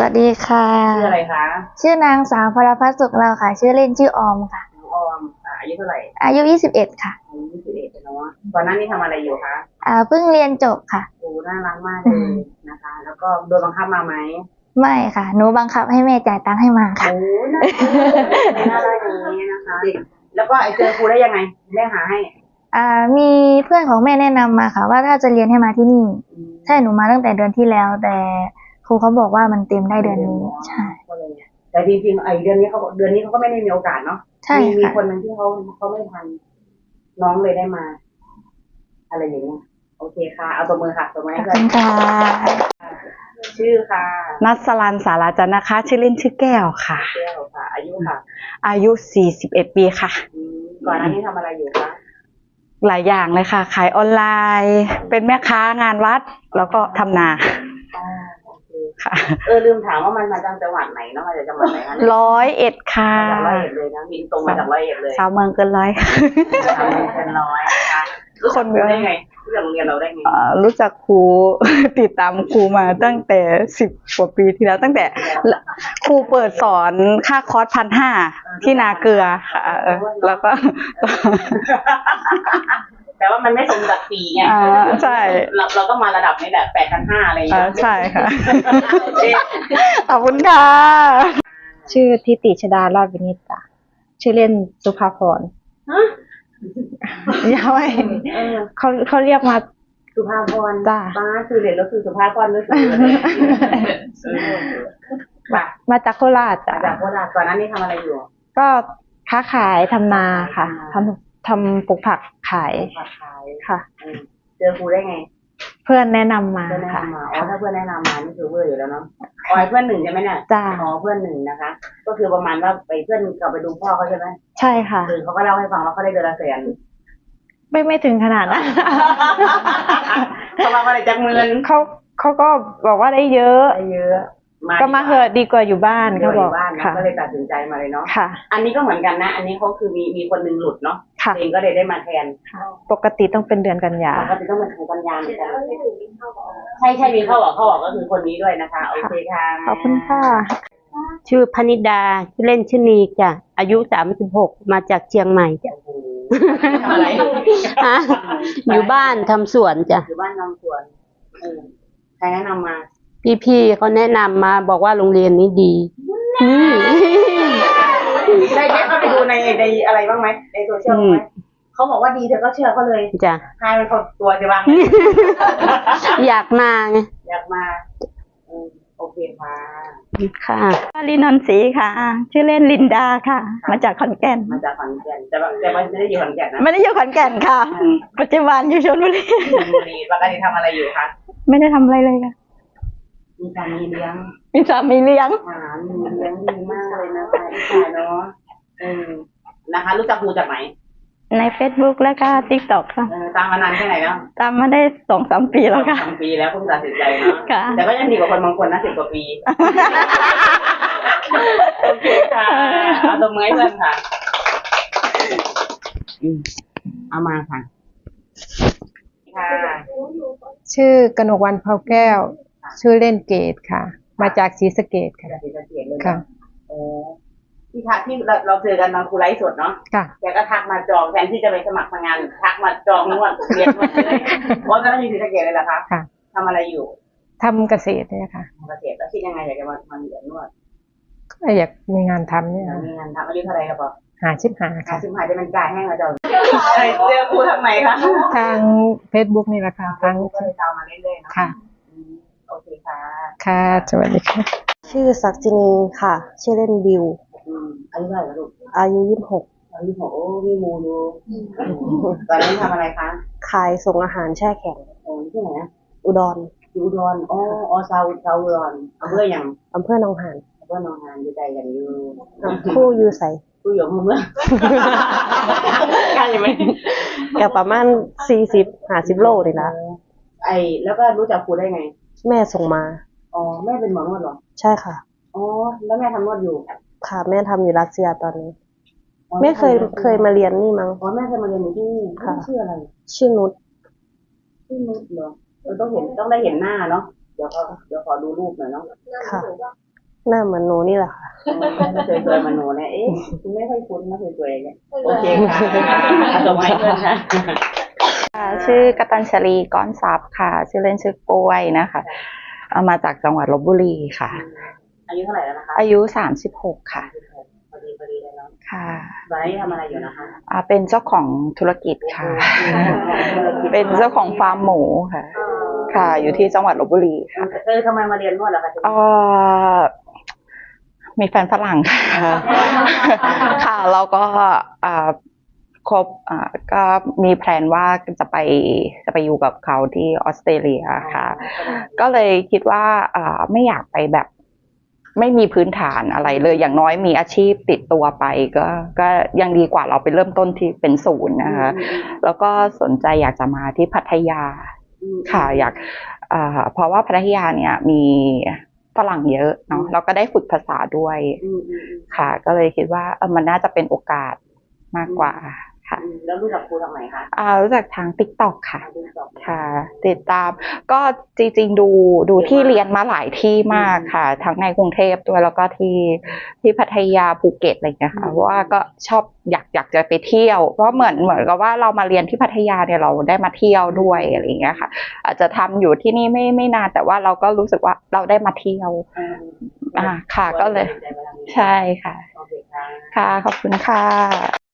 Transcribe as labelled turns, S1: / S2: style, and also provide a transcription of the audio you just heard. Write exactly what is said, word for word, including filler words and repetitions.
S1: วัสดีค่ะ
S2: ชื่ออะไรคะ
S1: ชื่อนางสาวพรพัฒน์สุขเราค่ะชื่อเล่นชื่อออมค่ะ
S2: ออมอายุเท่าไหร่
S1: อายุยี่สิบเอ็ดค่ะ
S2: อายุยี่สิบเอ็ดเนาะก่อนหน้านี้ทำอะไรอยู่คะ
S1: อ่าเพิ่งเรียนจบค่ะ
S2: โอ้น่ารักมากเลยนะคะแล้วก็โดนบังคับมาไหม
S1: ไม่ค่ะหนูบังคับให้แม่จ่ายตังค์ให้มาค่ะ
S2: โอ้น่าน่ารักอย่างนี้นะคะแล้วก็ไอเจอครูได้ยังไงได้หาให้
S1: อ่ามีเพื่อนของแม่แนะนำมาค่ะว่าถ้าจะเรียนให้มาที่นี่ใช่หนูมาตั้งแต่เดือนที่แล้วแต่ครูเขาบอกว่ามันเต็มได้เดือนนี้ใช่
S2: แต่จริงๆไอเดือนนี้เขาเดือนนี้เขาก็ไม่ได้มีโอกาสเนาะ
S1: ใช่
S2: มีคนหนึ่งที่เขาเขาไม่ทันน้องเลยได้มาอะไรอย่างเงี้ยโอเคค่ะเอาตัวมือค่ะตัวมือให้
S1: ขอบคุณค่ะ
S2: ชื่อค่ะ
S3: นัสรันสาราจันนะคะชื่อเล่นชื่อแก้วค่ะ
S2: แก้วค่ะอายุค่ะ
S3: อายุสี่สิบเอ็ดปีค่ะ
S2: ก่อนหน้านี้ทำอะไรอยู่คะ
S3: หลายอย่างเลยค่ะขายออนไลน์เป็นแม่ค้างานวัดแล้วก็ทำนา
S2: ค่ะเออลืมถามว่ามันมาจากจังหวัดไหนเนาะมาจากจังหวัดไหนคะ
S3: ร้อยเอ็ดค่ะ
S2: จากร้อยเอ็ดเลยนะบินตรงมาจากร้อยเอ็ดเลย
S3: สาวเมืองเกินร้อย
S2: สาวเมืองเกินร้อยนะคะคนได้ไงรู้จักโรงเรียนเราได้ไง
S3: รู้จักครูติดตามครูมาตั้งแต่สิบกว่าปีที่แล้วตั้งแต่ครูเปิดสอนค่าคอร์สพันห้าที่นาเกลือค่ะแล้วก็
S2: แต่ว่ามันไม่สมศักดิ์ศรีไง
S3: ใช่
S2: เราเราต้องมาระดับนี้แหละแปดพันห้าอะไรอย่างเงี้ย
S3: ใช่ค่ะขอบคุณค่ะชื่อทิติชดารอดวินิตจ้ะชื่อเล่นสุภาพรยังไม่เขาเขาเรียกมา
S2: สุภาพร
S3: จ้า
S2: ป้าคือเรียนแล้วคือสุภาพรหรือคือ
S3: มาจากโคราชจ้ะ
S2: จากโคราชก่อนหน้านี้ทำอะไรอยู่
S3: ก็ค้าขายทำนาค่ะทำทำปลูกผักขายค่ะ
S2: เจอครูได้ไง
S3: เพื่อนแนะนำมาค่ะ
S2: อ๋อถ้าเพื่อนแนะนำมานี่คือเพื่อนอยู่แล้วเนาะอ๋อเพื่อนหนึ่งใช่ไหมเนี่ย
S3: จ้า
S2: อ๋อเพื่อนหนึ่งนะคะก็คือประมาณว่าไปเพื่อนกลับไปดูพ่อเขาใช่ไหม
S3: ใช่ค่ะ
S2: คือเขาก็เล่าให้ฟังว่าเขาได้เดือนละแสน
S3: ไม่ไม่ถึงขนาดนั้น
S2: เขาบอกว่าอะไรจากเมือง
S3: เขาเขาก็บอกว่าได้เยอะ
S2: ได้เยอะ
S3: ก็มาเหอะดีกว่าอยู่บ้านเขาบอก
S2: ค่ะก็เลยตัดสินใจมาเลยเนาะค่ะอันนี้ก็เหมือนกันนะอันนี้เขาคือมีมีคนนึงหลุดเนาะเองก็เลยได้มาแทน
S3: ปกติต้องเป็นเดือนกันยา
S2: ปกติต้องเป็นเดือนกันยาใช่ใช่มีเข้าบอกเข้าบอกก็คือคนนี้ด้วยนะคะโอเคค่ะ
S3: ขอบคุณค่ะ
S4: ชื่อพนิดาชื่อเล่นชื่อนีจ้ะอายุสามสิบหกมาจากเชียงใหม่จ้ะ
S2: อะไร
S4: ฮะอยู่บ้านทำสวนจ้ะ
S2: อยู่บ้านทำสวนใครแนะนำมา
S4: พี่ๆเขาแนะนำมาบอกว่าโรงเรียนนี้ดี
S2: ได้ได้เข้าไปดูในในอะไรบ้างไหมในโซเชียลไหมเขาบอกว่าดีเธอก็เชื่อเขาเลย
S4: จ้ะ
S2: ใครเป็นคนตัวจะบ้าง
S4: อยากมาไง
S2: อยากมาโอเคค่ะ
S4: ค่ะ
S3: ลินนศรีค่ะชื่อเล่นลินดาค่ะมาจากขอนแก่น
S2: มาจากขอนแก่นแต่แต่ไม่ได้อยู่ขอนแก่นนะ
S3: ไม่ได้อยู่ขอนแก่นค่ะปัจจุบันอยู่ชลบุรี
S2: บุรีปกติทำอะไรอยู่คะ
S3: ไม่ได้ทำอะไรเลยค่ะ
S2: มีสามีเลี้ยง
S3: มีสามีเลี้ยง
S2: อ่ามีเลี้ยงดีมากเลยนะคะอีกายเนาะเออนะคะรู้จักครูจากไหน
S3: ใน Facebook แล้วก็ TikTok ค่ะ
S2: ตามมานานแค่ไหนแล้ว
S3: ตามมาได้สองสามปีแล้วค่ะ
S2: สองปีแล้วเพิ่งตัดสินใจเนาะแต่ก็ยังดีกว่าคนบางคนนะสิบกว่าปีโอเคค่ะเอาตัวมือให้เพื่อนค่ะเอามาค่ะค่ะ
S5: ชื่อกนกวรรณเผาแก้วชื่อเล่นเกตค่ะมาจากศรีสะเกษค่ะ
S2: ค่ะโอ้ที่ทักที่เราเราเจอกันตอนครูไลฟ์สดเนาะแกก็ทักมาจองแทนที่จะไปสมัครงานทักมาจองนวดเรียนนวดเลยเพราะตอนนั้นอยู่ศรีสะเกษเลยเหรอคะ
S5: ค่ะ
S2: ทำอะไรอยู่
S5: ทำเกษตรเนี่ยค่ะ
S2: เกษตรแล้วคิดยังไงอยากจะมามาเรียนนวด
S5: ก็อยากมีงานทำเนี่ย
S2: มีงานทำอายุเท่าไรครับพ่อ
S5: หาชิบหา
S2: ค่ะชิบหาจะเป็นกายแห้งแล้วจ้ะเจอครูทางไหนคะ
S5: ทางเฟซบุ๊กนี่แหละค่ะทาง
S2: ก็เลยตามมาเรื่อยๆเนาะ
S5: ค่ะ
S2: โอเคค่ะ
S5: ค่ะสวัสดีค่ะ
S4: ชื่อศักจินีค่ะชื่อเล่นบิว
S2: อายุเท่าไหร่ลูก
S4: อายุยี่สิบหก
S2: อายุยี่สิบหกโอ้มีมูดูตอนนี้ทำอะไรคะ
S4: ขายส่งอาหารแช่แข็ง
S2: โอ้ที่ไหน
S4: อุดร
S2: อุดรอ๋ออ๋อซาอุซาอุดรอำเภอยัง
S4: อำเภอหนองหาน
S2: อำเภอหนองหานอยู่ใจกันอยู่
S4: คู่อยู่ใส่
S2: คู่อยู่เมื่อใกล้ไหม
S4: กับประมาณสี่สิบห้าสิบโลเลยนะ
S2: ไอแล้วก็รู้จักครูได้ไง
S4: แม่ส่งมา
S2: อ๋อแม่เป็นหมอนวดหรอ
S4: ใช่ค่ะ
S2: อ๋อแล้วแม่ทำนวดอยู่
S4: ค่ะแม่ทำอยู่รัสเซียตอนนี้แม่เคยเคยมาเรียนนี่มั้ง
S2: อ๋อแม่เคยมาเรียนอยู่ที่นี่ค่ะชื่ออะไร
S4: ชื่อนุช
S2: ชื่อนุชเหรอเราต้องเห็นต้องได้เห็นหน้าเนาะเดี๋ยวขอเดี๋ยวขอดูรูปหน่อยเนาะ
S4: ค่ะหน้าเหมือนหนูนี่แหละค่ะ
S2: สวยๆมาหนูเนี่ยเอ๊ะคุณไม่ค่อยคุ้นนะสวยๆเนี่ยโอเคค่ะส่งให้เพื่อนค่ะ
S3: ค่ะชื่อกตัญชลีก้อนทรัพย์ค่ะ ชื่อเล่นชื่อกล้วยนะคะเอามาจากจังหวัดลบบุรีค่ะ
S2: อายุเท่าไหร่แล้วนะคะ
S3: อายุสามสิบหกค่ะ
S2: พอดีพอดีเลยเนาะ
S3: ค่ะ
S2: ตอนนี้ทำอะไรอยู่นะคะ
S3: อ่าเป็นเจ้าของธุรกิจค่ะ เป็นเจ้าของฟาร์มหมูค่ะ ค่ะ อยู่ที่จังหวัดลบบุรีค่ะ
S2: เออทำไมมาเรียนนวดล่ะคะ
S3: เอ่อมีแฟนฝรั่งค่ะ ค่ะแล้วก็อ่าครบอ่าก็มีแพลนว่าจะไปจะไปอยู่กับเขาที่ออสเตรเลียค่ะ ก็เลยคิดว่าอ่าไม่อยากไปแบบไม่มีพื้นฐานอะไรเลยอย่างน้อยมีอาชีพติดตัวไปก็ก็ยังดีกว่าเราไปเริ่มต้นที่เป็นศูนย์นะคะ แล้วก็สนใจอยากจะมาที่พัทยาค่ะอยากอ่าเพราะว่าพัทยาเนี่ยมีฝรั่งเยอะเนาะแล้วก็ได้ฝึกภาษาด้วยค่ะ ก็เลยคิดว่าเออมันน่าจะเป็นโอกาสมากกว่าค่ะ
S2: แล้วรู้จักครูทางไหนคะ
S3: อ่ารู้จักทาง TikTok ค่ะ ค่ะ ติดตามก็จริงๆดูดูที่เรียนมาหลายที่มากค่ะ ทั้งในกรุงเทพด้วยแล้วก็ที่ที่พัทยาภูเก็ตอะไรอย่างเงี้ยค่ะเพราะว่าก็ชอบอยากอยากจะไปเที่ยว เพราะเหมือนเหมือนกับว่าเรามาเรียนที่พัทยาเนี่ยเราได้มาเที่ยวด้วยอะไรอย่างเงี้ยค่ะ อาจจะทำอยู่ที่นี่ไม่ไม่นานแต่ว่าเราก็รู้สึกว่าเราได้มาเที่ยวอ่าค่ะก็เลย ใช่ค่ะ
S2: โอเคค่ะ
S3: ค่ะขอบคุณค่ะ